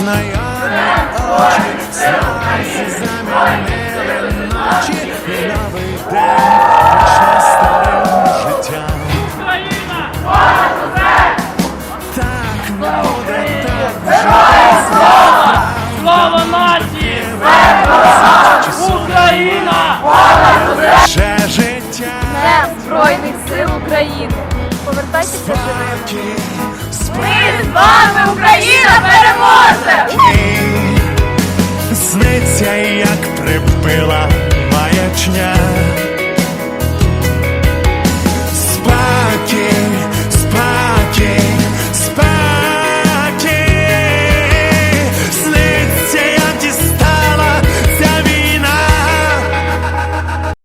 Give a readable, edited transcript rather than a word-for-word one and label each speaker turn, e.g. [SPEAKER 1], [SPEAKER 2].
[SPEAKER 1] знайомі очі, сльози замінили ночі, і новий день почне старим життям.
[SPEAKER 2] Україна!
[SPEAKER 1] Так буде, так вже
[SPEAKER 2] Слава нації! Україна!
[SPEAKER 1] ще життя.
[SPEAKER 3] Днем Збройних сил України! Повертайтеся живими!
[SPEAKER 1] Спокій,
[SPEAKER 3] Ми з вами, Україна, переможе!